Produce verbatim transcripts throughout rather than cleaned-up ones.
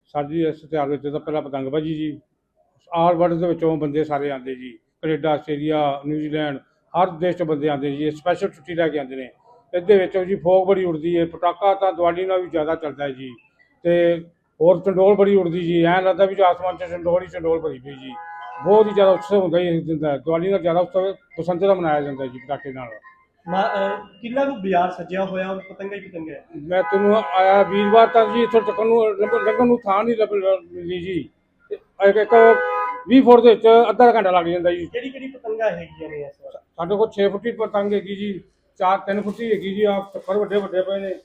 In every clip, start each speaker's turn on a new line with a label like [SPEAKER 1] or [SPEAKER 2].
[SPEAKER 1] ਸਾਡੀ ਇਸ ਤਿਉਹਾਰ ਵਿੱਚ ਤਾਂ ਪਹਿਲਾਂ ਪਤੰਗਬਾਜ਼ੀ ਜੀ, ਆਲ ਵਰਲਡ ਦੇ ਵਿੱਚੋਂ ਬੰਦੇ ਸਾਰੇ ਆਉਂਦੇ ਜੀ, ਕੈਨੇਡਾ, ਆਸਟ੍ਰੇਲੀਆ, ਨਿਊਜ਼ੀਲੈਂਡ, ਹਰ ਦੇਸ਼ 'ਚੋਂ ਬੰਦੇ ਆਉਂਦੇ ਜੀ, ਸਪੈਸ਼ਲ ਛੁੱਟੀ ਲੈ ਕੇ ਆਉਂਦੇ ਨੇ। ਇਹਦੇ ਵਿੱਚ ਜੀ ਫੋਗ ਬੜੀ ਉੱਡਦੀ ਹੈ, ਪਟਾਕਾ ਤਾਂ ਦੀਵਾਲੀ ਨਾਲ ਵੀ ਜ਼ਿਆਦਾ ਚੱਲਦਾ ਹੈ ਜੀ, ਅਤੇ ਹੋਰ ਚੰਡੋਲ ਬੜੀ ਉੱਡਦੀ ਜੀ, ਐਂ ਲੱਗਦਾ ਵੀ ਆਸਮਾਨ 'ਚ ਚੰਡੋਲ ਹੀ ਚੰਡੋਲ ਭਰੀ ਪਈ ਜੀ। ਬਹੁਤ ਹੀ ਜ਼ਿਆਦਾ ਉਤਸਵ ਹੁੰਦਾ ਜੀ ਇਸ ਦਿਨ ਦਾ। ਦੀਵਾਲੀ ਨਾਲ ਜ਼ਿਆਦਾ ਉਤਸਵ ਬਸੰਤ ਦਾ ਮਨਾਇਆ ਜਾਂਦਾ ਜੀ ਪਟਾਕੇ ਨਾਲ।
[SPEAKER 2] ਕਿੰਨਾ ਕੁ ਬਾਜ਼ਾਰ ਸਜਿਆ ਹੋਇਆ ਔਰ ਪਤੰਗਾ ਹੀ ਪਤੰਗਾ ਹੈ।
[SPEAKER 1] ਮੈਂ ਤੈਨੂੰ ਆਇਆ ਵੀਰਵਾਰ ਤੱਕ ਜੀ ਇੱਥੋਂ ਤੱਕ ਨੂੰ ਲੰਘਣ ਨੂੰ ਥਾਂ ਨਹੀਂ ਲੱਭ ਮਿਲੀ ਜੀ। ਇੱਕ ਇੱਕ ਵੀਹ ਫੁੱਟ ਦੇ ਵਿੱਚ ਅੱਧਾ ਘੰਟਾ ਲੱਗ ਜਾਂਦਾ ਜੀ।
[SPEAKER 2] ਕਿਹੜੀ ਕਿਹੜੀ ਪਤੰਗਾ ਹੈਗੀਆਂ ਨੇ ਇਸ ਵਾਰ?
[SPEAKER 1] ਸਾਡੇ ਕੋਲ ਛੇ ਫੁੱਟੀ ਪਤੰਗ ਹੈਗੀ ਜੀ, ਚਾਰ ਤਿੰਨ ਫੁੱਟੀ ਹੈਗੀ ਜੀ, ਆਹ ਚੱਕਰ ਵੱਡੇ ਵੱਡੇ ਪਏ ਨੇ।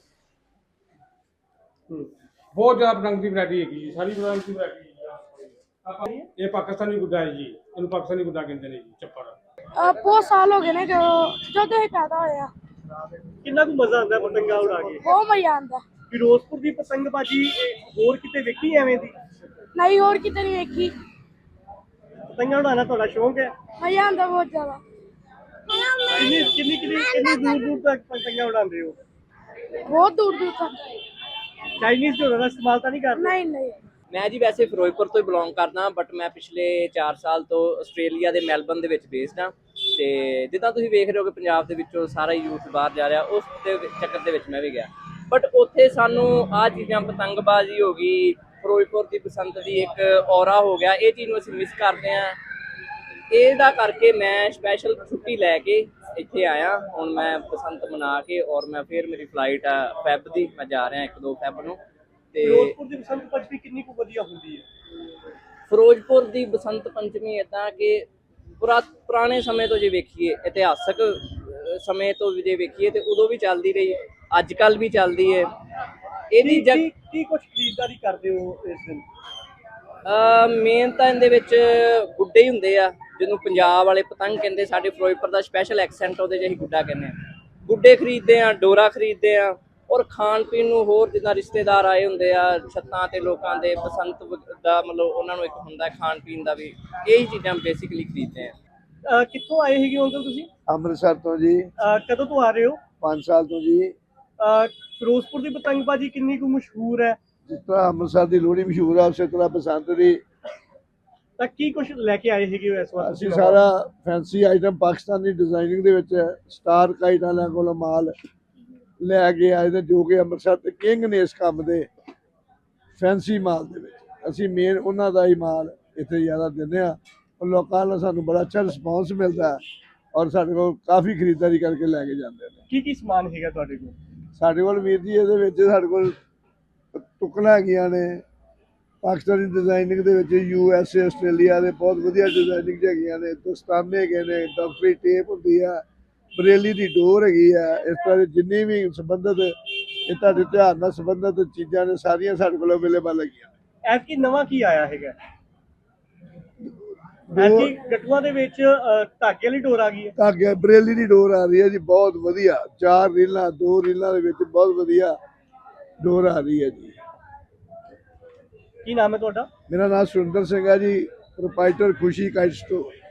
[SPEAKER 1] ਬਹੁਤ ਜ਼ਿਆਦਾ ਪਤੰਗ ਦੀ ਵੈਰਾਈਟੀ ਹੈਗੀ ਜੀ, ਸਾਰੀ ਪਤੰਗ ਦੀ ਵੈਰਾਈਟੀ। ਇਹ ਪਾਕਿਸਤਾਨੀ ਗੁੱਡਾ ਹੈ ਜੀ, ਇਹਨੂੰ ਪਾਕਿਸਤਾਨੀ ਗੁੱਡਾ ਕਹਿੰਦੇ ਨੇ ਜੀ, ਚੱਪੜ।
[SPEAKER 3] ਬਹੁਤ ਸਾਲ ਹੋ ਗਏ ਨੇ ਜਦੋਂ ਜਦੋਂ ਇਹ ਪੈਦਾ ਹੋਇਆ।
[SPEAKER 2] ਕਿੰਨਾ ਕੁ ਮਜ਼ਾ ਆਉਂਦਾ ਪਤੰਗਾ ਉਡਾ ਕੇ?
[SPEAKER 3] ਬਹੁਤ ਮਜ਼ਾ ਆਉਂਦਾ।
[SPEAKER 2] ਫਿਰੋਜ਼ਪੁਰ ਦੀ ਪਤੰਗਬਾਜ਼ੀ ਹੋਰ ਕਿਤੇ ਵੇਖੀ ਐਵੇਂ ਦੀ?
[SPEAKER 3] ਨਹੀਂ, ਹੋਰ ਕਿਤੇ ਨਹੀਂ ਵੇਖੀ।
[SPEAKER 2] ਪਤੰਗਾ ਉਡਾਉਣਾ ਤੁਹਾਡਾ ਸ਼ੌਂਕ ਹੈ?
[SPEAKER 3] ਮਜ਼ਾ ਆਉਂਦਾ ਬਹੁਤ ਜ਼ਿਆਦਾ।
[SPEAKER 2] ਕਿੰਨੀ ਕਿੰਨੀ ਕਿੰਨੀ ਕਿੰਨੀ ਦੂਰ ਦੂਰ ਤੱਕ ਪਤੰਗਾ ਉਡਾਉਂਦੇ ਹੋ?
[SPEAKER 3] ਬਹੁਤ ਦੂਰ ਦੂਰ ਤੱਕ।
[SPEAKER 2] ਚਾਈਨੀਜ਼ ਝੋਲੇ ਦਾ ਇਸਤੇਮਾਲ ਤਾਂ ਨਹੀਂ ਕਰਦੇ?
[SPEAKER 3] ਨਹੀਂ ਨਹੀਂ।
[SPEAKER 4] ਮੈਂ ਜੀ ਵੈਸੇ ਫਿਰੋਜ਼ਪੁਰ ਤੋਂ ਹੀ ਬਿਲੋਂਗ ਕਰਦਾ, ਬਟ ਮੈਂ ਪਿਛਲੇ ਚਾਰ ਸਾਲ ਤੋਂ ਆਸਟ੍ਰੇਲੀਆ ਦੇ ਮੈਲਬਨ ਦੇ ਵਿੱਚ ਬੇਸਡ ਹਾਂ। ਅਤੇ ਜਿੱਦਾਂ ਤੁਸੀਂ ਵੇਖ ਰਹੇ ਹੋ ਕਿ ਪੰਜਾਬ ਦੇ ਵਿੱਚੋਂ ਸਾਰਾ ਯੂਥ ਬਾਹਰ ਜਾ ਰਿਹਾ, ਉਸ ਦੇ ਚੱਕਰ ਦੇ ਵਿੱਚ ਮੈਂ ਵੀ ਗਿਆ। ਬਟ ਉੱਥੇ ਸਾਨੂੰ ਆਹ ਚੀਜ਼ਾਂ, ਪਤੰਗਬਾਜ਼ੀ ਹੋ ਗਈ, ਫਿਰੋਜ਼ਪੁਰ ਦੀ ਬਸੰਤ ਦੀ ਇੱਕ ਔਰਾ ਹੋ ਗਿਆ, ਇਹ ਚੀਜ਼ ਨੂੰ ਅਸੀਂ ਮਿਸ ਕਰਦੇ ਹਾਂ। ਇਹਦਾ ਕਰਕੇ ਮੈਂ ਸਪੈਸ਼ਲ ਛੁੱਟੀ ਲੈ ਕੇ ਇੱਥੇ ਆਇਆ। ਹੁਣ ਮੈਂ ਬਸੰਤ ਮਨਾ ਕੇ ਔਰ ਮੈਂ ਫਿਰ ਮੇਰੀ ਫਲਾਈਟ ਆ ਫੈਬ ਦੀ, ਮੈਂ ਜਾ ਰਿਹਾ ਇੱਕ ਦੋ ਫੈਬ ਨੂੰ। ਤੇ
[SPEAKER 2] ਫਿਰੋਜ਼ਪੁਰ ਦੀ ਬਸੰਤ ਪੰਚਮੀ ਕਿੰਨੀ ਕੁ ਵਧੀਆ ਹੁੰਦੀ ਹੈ?
[SPEAKER 4] ਫਿਰੋਜ਼ਪੁਰ ਦੀ ਬਸੰਤ ਪੰਚਮੀ ਇੱਦਾਂ ਕਿ ਪੁਰਾ ਪੁਰਾਣੇ ਸਮੇਂ ਤੋਂ ਜੇ ਵੇਖੀਏ, ਇਤਿਹਾਸਕ ਸਮੇਂ ਤੋਂ ਜੇ ਵੇਖੀਏ ਤੇ ਉਦੋਂ ਵੀ ਚੱਲਦੀ ਰਹੀ, ਅੱਜ ਕੱਲ੍ਹ ਵੀ ਚੱਲਦੀ ਹੈ। ਇਹਦੀ
[SPEAKER 2] ਕੀ ਕੀ ਕੀ ਕੁਝ ਖਰੀਦਦਾਰੀ ਕਰਦੇ ਹੋ ਇਸ ਦਿਨ?
[SPEAKER 4] ਮੇਨ ਤਾਂ ਇਹਦੇ ਵਿੱਚ ਗੁੱਡੇ ਹੀ ਹੁੰਦੇ ਆ, ਜਿਹਨੂੰ ਪੰਜਾਬ ਵਾਲੇ ਪਤੰਗ ਕਹਿੰਦੇ। ਸਾਡੇ ਫਿਰੋਜ਼ਪੁਰ ਦਾ ਸਪੈਸ਼ਲ ਐਕਸੈਂਟ ਉਹਦੇ 'ਚ ਅਸੀਂ ਗੁੱਡਾ ਕਹਿੰਦੇ ਹਾਂ। ਗੁੱਡੇ ਖਰੀਦਦੇ ਹਾਂ, ਡੋਰਾ ਖਰੀਦਦੇ ਹਾਂ, ਔਰ ਖਾਣ ਪੀਣ ਨੂੰ ਹੋਰ ਜਿੱਦਾਂ ਰਿਸ਼ਤੇਦਾਰ ਆਏ ਹੁੰਦੇ ਆ ਛੱਤਾਂ ਤੇ ਲੋਕਾਂ ਦੇ, ਬਸੰਤ ਦਾ ਮਤਲਬ ਉਹਨਾਂ ਨੂੰ ਇੱਕ ਹੁੰਦਾ ਖਾਣ ਪੀਣ ਦਾ ਵੀ, ਇਹੀ ਚੀਜ਼ਾਂ ਬੇਸਿਕਲੀ ਖਰੀਦਦੇ ਆ।
[SPEAKER 2] ਕਿੱਥੋਂ ਆਏ ਹੈਗੇ ਅੰਕਲ ਤੁਸੀਂ?
[SPEAKER 5] ਅੰਮ੍ਰਿਤਸਰ ਤੋਂ ਜੀ।
[SPEAKER 2] ਕਦੋਂ ਤੋਂ ਆ ਰਹੇ ਹੋ?
[SPEAKER 5] ਪੰਜ ਸਾਲ ਤੋਂ ਜੀ।
[SPEAKER 2] ਫਿਰੋਜ਼ਪੁਰ ਦੀ ਪਤੰਗਬਾਜ਼ੀ ਕਿੰਨੀ ਕੁ ਮਸ਼ਹੂਰ ਹੈ?
[SPEAKER 5] ਜਿਸ ਤਰ੍ਹਾਂ ਅੰਮ੍ਰਿਤਸਰ ਦੀ ਲੋਹੜੀ ਮਸ਼ਹੂਰ ਆ, ਉਸੇ ਤਰ੍ਹਾਂ ਬਸੰਤ ਦੀ।
[SPEAKER 2] ਤਾਂ ਕੀ ਕੁਝ ਲੈ ਕੇ ਆਏ ਹੈਗੇ ਇਸ ਵਾਰ?
[SPEAKER 5] ਅਸੀਂ ਸਾਰਾ ਫੈਂਸੀ ਆਈਟਮ ਪਾਕਿਸਤਾਨੀ ਡਿਜ਼ਾਈਨਿੰਗ ਦੇ ਵਿੱਚ ਸਟਾਰ ਕਾਈਟ ਵਾਲਿਆਂ ਕੋਲੋਂ ਮਾਲ ਲੈ ਕੇ ਆਏ ਨੇ, ਜੋ ਕਿ ਅੰਮ੍ਰਿਤਸਰ ਤੇ ਕਿੰਗ ਨੇ ਇਸ ਕੰਮ ਦੇ ਫੈਂਸੀ ਮਾਲ ਦੇ ਵਿੱਚ। ਅਸੀਂ ਮੇਨ ਉਹਨਾਂ ਦਾ ਹੀ ਮਾਲ ਇੱਥੇ ਜ਼ਿਆਦਾ ਦਿੰਦੇ ਹਾਂ, ਔਰ ਲੋਕਾਂ ਨਾਲ ਸਾਨੂੰ ਬੜਾ ਅੱਛਾ ਰਿਸਪੌਂਸ ਮਿਲਦਾ, ਔਰ ਸਾਡੇ ਕੋਲ ਕਾਫੀ ਖਰੀਦਦਾਰੀ ਕਰਕੇ ਲੈ ਕੇ ਜਾਂਦੇ ਨੇ।
[SPEAKER 2] ਕੀ ਕੀ ਸਮਾਨ ਹੈਗਾ ਤੁਹਾਡੇ ਕੋਲ?
[SPEAKER 5] ਸਾਡੇ ਕੋਲ ਵੀਰ ਜੀ ਇਹਦੇ ਵਿੱਚ ਸਾਡੇ ਕੋਲ ਟੁਕਣਾ ਹੈਗੀਆਂ ਨੇ ਪਾਕਿਸਤਾਨੀ ਡਿਜ਼ਾਈਨਿੰਗ ਦੇ ਵਿੱਚ, ਯੂ ਐਸ ਏ, ਆਸਟ੍ਰੇਲੀਆ ਦੇ ਬਹੁਤ ਵਧੀਆ ਡਿਜ਼ਾਈਨਿੰਗ ਹੈਗੀਆਂ ਨੇ, ਦਸਤਾਨੇ ਹੈਗੇ ਨੇ, ਡਾਕਟਰੀ ਟੇਪ ਹੁੰਦੀ ਆ, ਬਰੇਲੀ ਦੀ ਡੋਰ ਹੈਗੀ ਆ। ਇਸ ਤਰ੍ਹਾਂ ਦੀ ਜਿੰਨੀ ਵੀ ਸੰਬੰਧਿਤ ਇਹ ਤੁਹਾਡੇ ਤਿਉਹਾਰ ਨਾਲ ਸੰਬੰਧਿਤ ਚੀਜ਼ਾਂ ਨੇ, ਸਾਰੀਆਂ ਸਾਡੇ ਕੋਲ ਅਵੇਲੇਬਲ ਹੈਗੀਆਂ।
[SPEAKER 2] ਐਤਕੀ ਨਵਾਂ ਕੀ ਆਇਆ ਹੈਗਾ? ਐਤਕੀ ਗੱਟੂਆਂ ਦੇ ਵਿੱਚ ਧਾਗੇ ਵਾਲੀ ਡੋਰ ਆ ਗਈ ਹੈ।
[SPEAKER 5] ਧਾਗੇ ਬਰੇਲੀ ਦੀ ਡੋਰ ਆ ਰਹੀ ਹੈ ਜੀ, ਬਹੁਤ ਵਧੀਆ। ਚਾਰ ਰੀਲਾਂ, ਦੋ ਰੀਲਾਂ ਦੇ ਵਿੱਚ ਬਹੁਤ ਵਧੀਆ ਡੋਰ ਆ ਰਹੀ ਹੈ ਜੀ।
[SPEAKER 2] ਕੀ ਨਾਮ ਹੈ ਤੁਹਾਡਾ?
[SPEAKER 5] ਮੇਰਾ ਨਾਮ ਸੁਰਿੰਦਰ ਸਿੰਘ ਹੈ ਜੀ, ਪ੍ਰੋਪਰਾਈਟਰ ਖੁਸ਼ੀ ਕਾਈਟ ਸਟੋਰ।